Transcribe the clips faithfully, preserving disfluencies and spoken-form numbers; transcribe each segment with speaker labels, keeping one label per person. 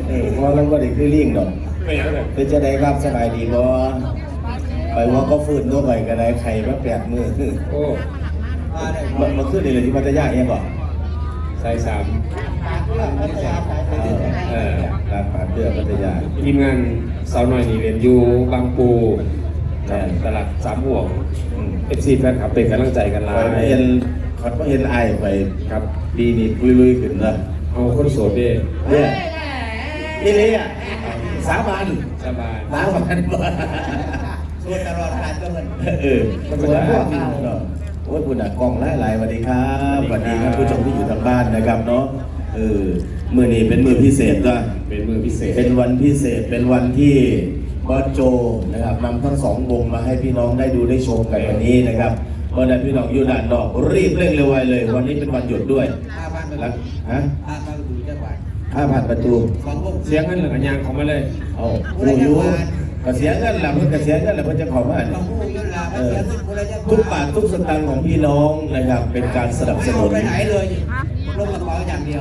Speaker 1: เออเพราะเราก็ได้คือลิงดอกเป็นจะได้ครับสบายดีบ่ไปว่าก็ฟื้นตัวไปก็ได้ไข่มาแปดมือโอ้มันมันขึ้นเลยที่พัทยาเองบ่ใส่สามเออร้านปลาเตื้อพัทยา
Speaker 2: ทีมงานสาวหน่อยนี่เรียนอยู่บางปูตลาดสามห่วงเอฟซีแฟนคลับเป็นกำลังใจกันหลาย
Speaker 1: เห็นเขาเห็นไอ้ไปครับปีนี้ลุยๆขึ้นนะ
Speaker 2: เอาคนโสดดิ
Speaker 1: เนี่ยนี่เลยอ่ะสาบาน
Speaker 2: สาบาน
Speaker 1: สาบานบ่
Speaker 3: โสดตลอดการก็เหมือน
Speaker 1: เออก็เป็นพวกนี้เนาะโอ้ยคุณอ่ะกล้องหลายหลายสวัสดีครับสวัสดีครับผู้ชมที่อยู่ทางบ้านนะครับเนาะเออมือนี้เป็นมือพิเศษก็
Speaker 2: เป็นมือพิเศษ
Speaker 1: เป็นวันพิเศษเป็นวันที่บอสโจนะครับนำทั้งสองวงมาให้พี่น้องได้ดูได้ชมกันวันนี้นะครับเพราะนั้นพี่น้องอยู่ด้านนอกรีบเร่งเร็วไวเลยวันนี้เป็นวันหยุดด้วย
Speaker 3: ห้าพันประตู
Speaker 1: ฮะ
Speaker 3: ห้าพันประตูจังหวัด
Speaker 1: ห้าพันประตู
Speaker 2: เสียงกันหรือกันยางของมาเลย
Speaker 1: เอาผู้อยู่กระเสียเงินหลับเพื่อกระเสียเงินหลับเพื่อจะขอมาทุกบาททุกสตางค์ของพี่น้องนะครับเป็นการสนับสนุน
Speaker 3: ไปไหนเลยลงกระเป๋าอย่างเดียว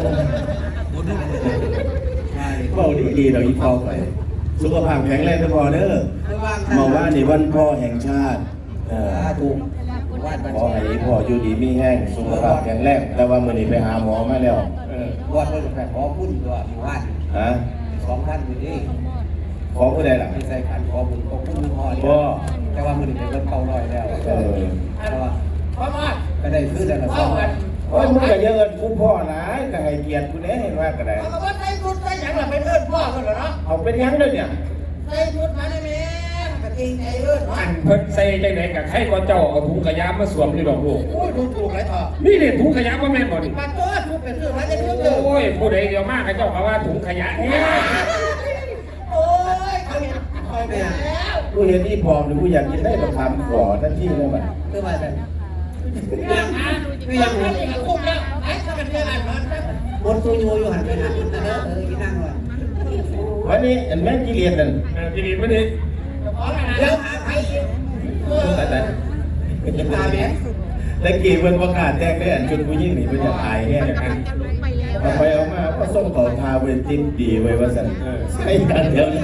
Speaker 1: เบาดีดีเราอีพอไปสุขภาพแข็งแรงพอเด้อมาว่าในวันพ่อแห่งชาติ
Speaker 3: ถูก
Speaker 1: ขอให้พ่ออยู่ดีมีแห้งสุขภาพแข็งแรงแต่ว่าเมื่อนี้ไปหาหมอมาแล้ว
Speaker 3: วัดเพื่อนขอพุ่นตัวมีวัด
Speaker 1: ฮะ
Speaker 3: สองพันอยู่นี่
Speaker 1: ขอผู้ใดล่ะ
Speaker 3: ไม่ใส่ขันขอบุญขอพุ่นพ่อเนี่ยแต่ว่ามือนี้เป็นเริ่มเก่าลอยแล้วแต่ว่าก็ได้ขึ้นแล้วสองพัน
Speaker 1: โอ้ยมึงก็เยอะเงินกูพ่อนะก็ให้เกียรติกูเนี่ยเห็นว่าก็ได้
Speaker 3: เขาบอกว่าใส่ชุดใส่หยังแบบเป็นเอิ้นพ่อกันเหรอเนาะ
Speaker 1: เอาเป็นยังเลยเนี่ย
Speaker 3: ใส่ชุดมาได้ไหมกระทิงไอ้เอิ้น
Speaker 2: อันเพิ่นใส่จังไหนกับใครก็เจ้าเอาถุงขยะมาสวมนี่ดอกลูก
Speaker 3: โอ้ยถูกถูกไรต่อ
Speaker 2: นี่เนี่ยถุงขยะว่าแม่นบ่นี่
Speaker 3: มาตัวถูกเป็นเรื่องอะไรจะเรื่องเดิม
Speaker 2: โอ้ยผู้ใดเดียวมากให้เจ้าเขาว่าถุงขยะเนี่ย
Speaker 3: โอ้ยเขาเห็นคอยไปแล้ว
Speaker 1: กูเห็นนี่พอหรือกูอยากกินได้มาทำขอทันทีเลยมัน
Speaker 3: คือว่าแบบคือยังหันคุ้มแล้วไอ้ถ้าเป็นเรื่องอ่านมันบนตัวโยอยู่หันไปหันนะเด้อเออกินนั่งเลย
Speaker 1: วันนี้อันแม่กิเลสนั่น
Speaker 2: กิเลสวันนี้
Speaker 3: แล้วหาใคร
Speaker 1: แต่แต่
Speaker 3: กินตาแม่
Speaker 1: แต่กี่เพิ่นประกาศแจ้งได้อันจนกูยิ่งหนีเพิ่นจะตายแน่กันเอาไปเอามาก็ส่งต่อทาเวทินดีไว้ว่าสั่นใช่กันเดียวเลย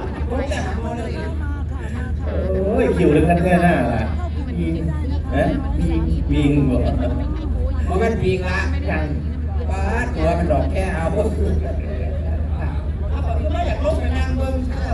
Speaker 1: โอ้ยคิวเรื่องกันแค่หน้าล่ะฮะวิงบ่
Speaker 3: เพราะมันวิงละอย่างป้าตัวมันดอกแค่เอาพวกคือไม่อยากลงไปนั่งเบิ้งเช้า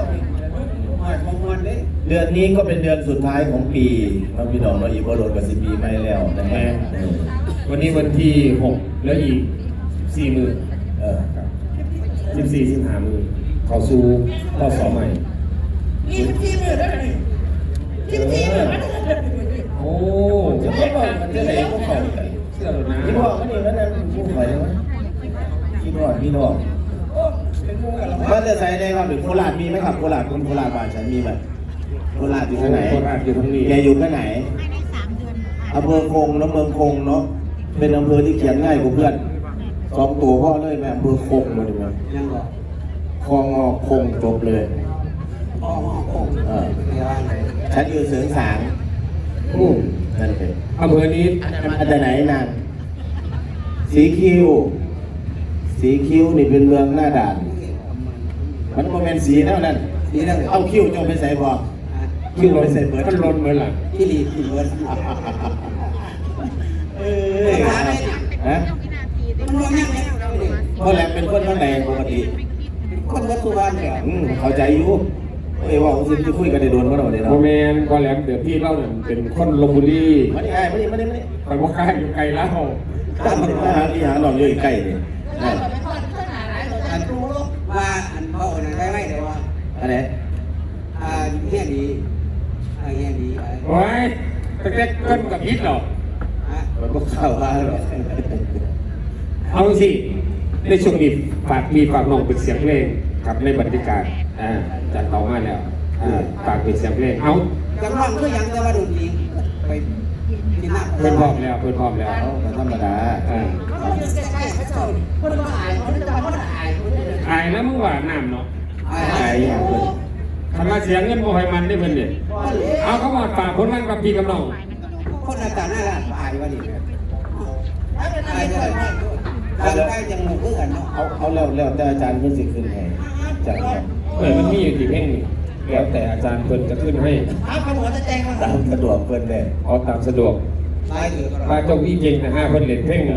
Speaker 1: เดือนนี้ก็เป็นเดือนสุดท้ายของปีน้องพี่น้องเราอีกบอลลูนกับสิบปีไม่แล้วนะครับ
Speaker 2: วันนี้วันที่หกแล้วอีกสี่มือเออครับสิบสี่สิบห้ามือเข้าสู่ข้อสอบใหม่
Speaker 3: ยี่สิบสี่มือแล้วนี่ยี่สิบสี่มือ
Speaker 2: โอ้
Speaker 1: จะไม่บอกมันจะไหนก็เขา
Speaker 2: เชื่อหรือนะ
Speaker 1: พี่บอกมันนี่มันนั่นผู้ใครวะพี่บอกพี่บอกบ้านจะใส่ได้ครับหรือโคราชมีไหมครับโคราชคนโคราชบ้านฉันมีไหมโคราชอยู่ที่ไหน
Speaker 2: โคราชอยู่ที่นี่
Speaker 1: แกอยู่ที่ไหนอำเภอคงแล้วเมืองคงเนาะเป็นอำเภอที่เขียนง่ายกว่าเพื่อนสองตัวพ่อเลยแม่อำเภอคงมาดูมั้ย
Speaker 3: ยังบอก
Speaker 1: คลองงอคงจบเลย
Speaker 3: คลองงอคง
Speaker 1: เออฉันอยู่เสริงสาง
Speaker 2: อู้
Speaker 1: นั่นเป็น
Speaker 2: อำเภอนี้
Speaker 1: อันไหนนางสีคิวสีคิวนี่เป็นเมืองหน้าด่านมันก็เป็นสีแล้วนั่น
Speaker 3: สีแล้ว
Speaker 1: เอาคิวจงไปใส่บ่คิวไปใส่เบิร์ด
Speaker 2: มันลนเหมือนหลัง
Speaker 3: ที่รีที่เบิร์ด
Speaker 1: เอ้ยฮะ
Speaker 3: มันร้อนยังไง
Speaker 1: เพราะแหลมเป็นคนข้างในปกติ
Speaker 3: คนวัดสุวรรณเนี่ย
Speaker 1: เข้าใจอยู่เอ้ยว่าคุณจะคุยกันในโดนก็ได้เนาะ
Speaker 2: โมเมนต์ก็แหลมเดี๋ยวพี่เล่าเนี่ยเป็นคนลงบุรี
Speaker 1: มาดิไอ้มาดิมาดิมาดิ
Speaker 2: ไปว่าใกล้อยู่ไกลแล้ว
Speaker 1: ตามมาหาที่หาหนอนอยู่ใกล้เนี่ย
Speaker 3: อันว่าอันเขาอันได้ไหมเดี๋ยวว่า
Speaker 1: อะไร
Speaker 3: อ่าเฮียดีอ่าเฮียดี
Speaker 2: โอ้ยแต่แค่ก้นกับพิษหรอ
Speaker 1: มันก็เข้ามาหรอ
Speaker 2: เอาสิในช่วงนี้ฝากมีฝากน้องเป็นเสียงเพลงกับในบรรยากาศอ่าจัดต่อมาแล้วอ่าฝากเป็นเสียงเพลงเอา
Speaker 3: จังหวะก็ยังจะมาดูดีไปกินน้ำ
Speaker 2: เพื่อนพร้อมแล้วเพื่อนพร้อมแล้ว
Speaker 1: ธรรมดา
Speaker 2: อ่าอายแล้วมึงว่าน้ำเนาะ
Speaker 1: อายอย่างเพื่อน
Speaker 2: ทำมาเสียงเงินโมให้มันได้เพื่อนเนี่ยเอาเขาบอกฝากผลงานกับพี่กับน้อง
Speaker 3: คนหน้าตาหน้าละอายว่าดีอายเลยดังได้ยังหมู่เพื่อนเนาะ
Speaker 1: เอาเอาแล้วแล้วแต่อาจารย์เพิ่นสิขึ้นให้จากนั้น
Speaker 2: เออมันมีอยู่กี่เพลงนี่แล้วแต่อาจารย์เพิ่นจะขึ้นให้
Speaker 3: เอาขนมจะแจ้งมา
Speaker 1: ตามสะดวกเพิ่นแน่
Speaker 2: เอาตามสะดวก
Speaker 3: ตายเถอะ
Speaker 2: ป้าเจ้าพี่เก่งนะฮะเพิ่นเล่นเพลงหนึ่ง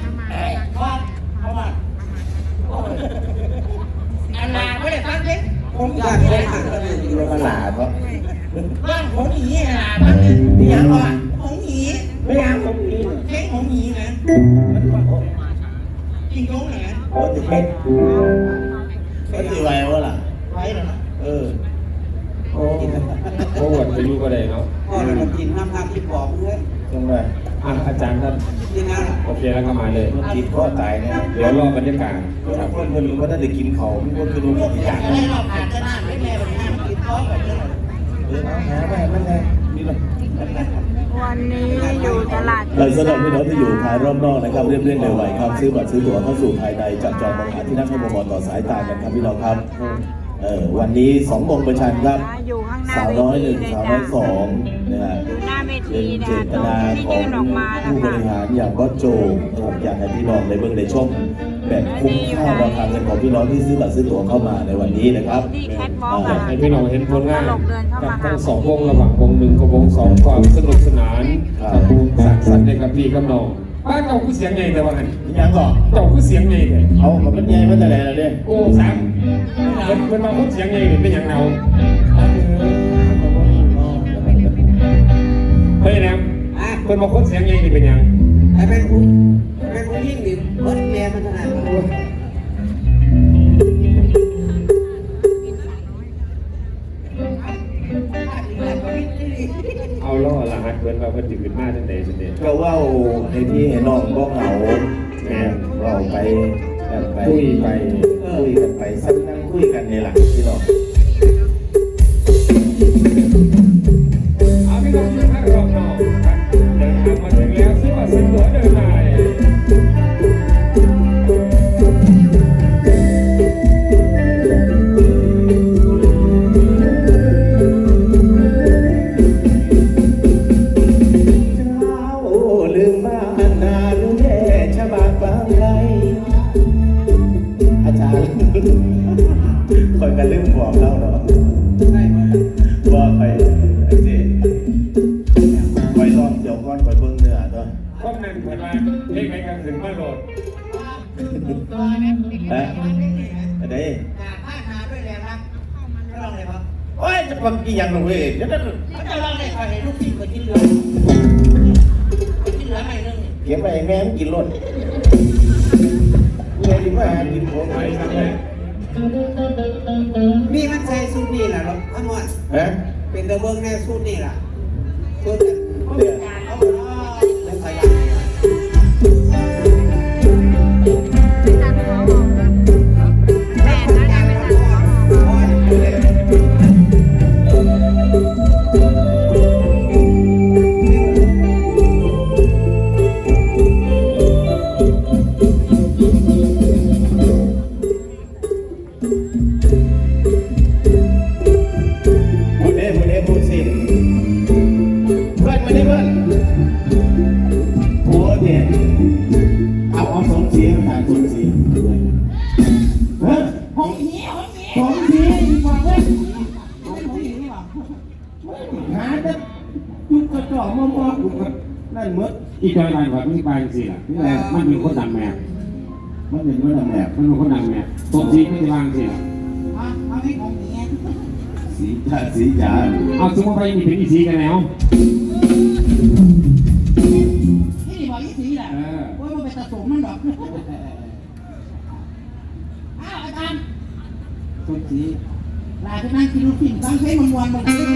Speaker 4: อันนาไม่ได้ฟังเพลง
Speaker 3: ผมอยากได้อ่านก็เลย
Speaker 1: อยู่มาหลาเพราะ
Speaker 4: บ้านของหนีอ่ะบ้านเป็นเสียงว่าของหนี
Speaker 1: ไม่อยากผมนี่
Speaker 4: เพลงของหนีนะจริงตรงไหน
Speaker 1: โอ้ยเฮ็ดก็สิไหวว่าล่ะ
Speaker 4: ไว้เหรอ
Speaker 1: เออ
Speaker 2: โอ้โหวันไปอยู่ก็ได้เนาะ
Speaker 3: พ่อเรามากินน้ำพักที่ปอบเพื่อน
Speaker 1: จังได๋
Speaker 2: อ่ะอาจารย์ท่าน
Speaker 3: กินน้ำ
Speaker 2: โอเคแล้วก็มาเลย
Speaker 1: มันติดคอตายเนี่ย
Speaker 2: เดี๋ยวรอบรรยากาศ
Speaker 1: ครับเพิ่นเพิ่นบ่ได้กินข้าวมันก็คือรู้
Speaker 4: พวก
Speaker 1: อีก
Speaker 4: อ
Speaker 1: อย่
Speaker 4: า
Speaker 1: ย่าก ง
Speaker 4: จะได้รอบผ่านจะน่าไม่แม่แบบนี้กินท้องแบบนี้
Speaker 1: เออเอาหาไปมันไงนี่ล่ะ
Speaker 5: วันนี้อยู่ตลาด
Speaker 1: เราสำหรับพี่น้องที่อยู่ภายรอบนอกนะครับเรียบเร่งเร็วไวครับซื้อบัตรซื้อตั๋วเข้าสู่ภายในจับจองมองหาที่นั่งให้มองต่อสายตากันครับพี่น้องครับเออวันนี้สองโมงประชันครับ
Speaker 5: อยู่ข้างหน้า
Speaker 1: สาว
Speaker 5: เว
Speaker 1: น้อยห
Speaker 5: ที
Speaker 1: นึ่ง
Speaker 5: เลย
Speaker 1: สาว
Speaker 5: จ้ะ
Speaker 1: น้อยสองนะฮะ
Speaker 5: อยู่หน้าเว
Speaker 1: เป็
Speaker 5: ที
Speaker 1: น
Speaker 5: นะ
Speaker 1: เจตนา
Speaker 5: ที่
Speaker 1: ของ
Speaker 5: ยืนออกมานะ
Speaker 1: ผู้บ
Speaker 5: คะ
Speaker 1: ริหารอย่างบอสโจนะครับอยากให้พี่น้องในเบื้องในช่องแบบคุ้มค่าราคาเงินของพี่น้องที่ซื้อบัตรซื้อตั๋วเข้ามาในวันนี้นะครับ
Speaker 5: ที่แคทวอล์ก
Speaker 2: อยา
Speaker 5: อะ
Speaker 2: กให้พี่น้องเห็นผลงาน
Speaker 5: ตลกเดินเข้า
Speaker 2: กับ
Speaker 5: มาหา
Speaker 2: ทั้งสองวงระหว่างวงหนึ่งกับวงสองความสนุกสนานกับภูมิสร้างสรรค์ในกับพี่กับน้องบ้านเจ้าคือเสียงใหญ่แต่ว่าหัน
Speaker 1: ยังก่อน
Speaker 2: เจ้าคือเสียงใหญ่แต่
Speaker 1: เอากับมันใหญ่มาแต่ไหนแล้วเนี่ย
Speaker 2: โอ้สามเป็นเป็นมาคนเสียงใหญ่หรือเป็นอย่างเราเฮ้ยนะ
Speaker 3: อ่ะ
Speaker 2: เป็นมาคนเสียงใหญ่นี่เป็นอย่าง
Speaker 3: ไอ้เป็นผู้เป็นผู้ยิ่งดิเบิร์ดแม่มันขนาดนั้น
Speaker 2: เอาล่อรหัสเพื่อนว่าเพื่อนจะขึ้นมาจังใดจังใด
Speaker 1: ก็เว่าในที่ให้น้องบ่เหงาแม่เว่าไปกันไป
Speaker 2: คุยไป
Speaker 1: คุยกันไปสักนั่งคุยกันในหลังพี่น้อง
Speaker 2: เอาพี่น้องที่พักรอบนอกครับเดินทางมาถึงแล้วซื้อบัตรซื้อตั๋วเดินได้
Speaker 1: ลืมบ้านนาลืมแม่ชะบากบางไกลอาจารย์คอยกันลืมบอกเราเนาะ
Speaker 3: ได้ไหม
Speaker 1: ว่าไปไอ้สิไปรอบเดี๋ยวก่อนไปเบิ่งเนื้อตัว
Speaker 2: ข้อมนั้นเวลาเพลงไหนกันถึงมาโหลด
Speaker 1: ฮะอันนี้
Speaker 4: ผ้าหาด้วยแรงรักก็ลองเลยครับ
Speaker 1: โอ้ยจะฟังกี่อย่างหนูเว้ยเดี๋ยวจะ
Speaker 4: เขาจะลองเลยคอยให้ลูกศิษย์คนที่เหลือคนที่เหลือไม่เรื่อง
Speaker 1: เก็บไปให้แม่มันกินรถเมื่อที่มาหากินของ
Speaker 2: ไป
Speaker 1: ไป
Speaker 2: ค
Speaker 1: ค
Speaker 2: รั
Speaker 1: รั
Speaker 2: บบ เลย
Speaker 3: มีมันใส่สูตรนี่แหละหรอทั้งหมด
Speaker 1: ฮะ
Speaker 3: เป็นตะเบิ้งแน่สูตรนี่แหละสูตร
Speaker 1: เดี๋ยว
Speaker 3: เขาบอกว่าแล้วขยัน
Speaker 5: แม่นะอย่าไปตัด
Speaker 1: พูดเด้พูดเด้พูดสิเพื่อนมาดิเพื่อนโอ้เนี่ยเอาเอาสองเสียงผ่านสองเสียงฮะ
Speaker 4: ห้องนี้ห้องนี้
Speaker 1: สองเสียงบอกเลย
Speaker 4: ห้องนี้นี่หรอ
Speaker 1: หาแต่ยุกกระจอกมอมอกูก็นั่นหมด
Speaker 2: อีกหน่อยหน่อยว่ามันไปสิล่ะนี่แหละมันเป็นคนดังแม่
Speaker 1: มันเป็นว่าทำแบบ
Speaker 2: มันเป็นคนดังแม่ตบทีไม่ได้วางสิล่ะ
Speaker 4: อ่ะห้องนี้ของนี้
Speaker 1: สีจาสีจา
Speaker 2: เอาสมมติไปมีเป็นอีซีกันแล้ว
Speaker 4: นี่บอกยี่สีแหละ
Speaker 2: เออ
Speaker 4: โอ้ยมันเป็นตะสมมันหรอกอ้าวอาจารย์
Speaker 3: สูตรสี
Speaker 4: ลายไปนั่งกินลูกชิ้นตั้งใช้มันวันมันนี่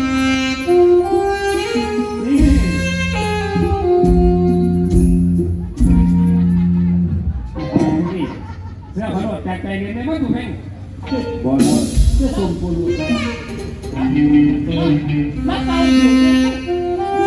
Speaker 2: นี่เสื้อขาวโดดแจกใจเงินได้ไหมถูกไหม
Speaker 1: บอล
Speaker 4: เพื่อส่งปูรูแล้วไปอยู่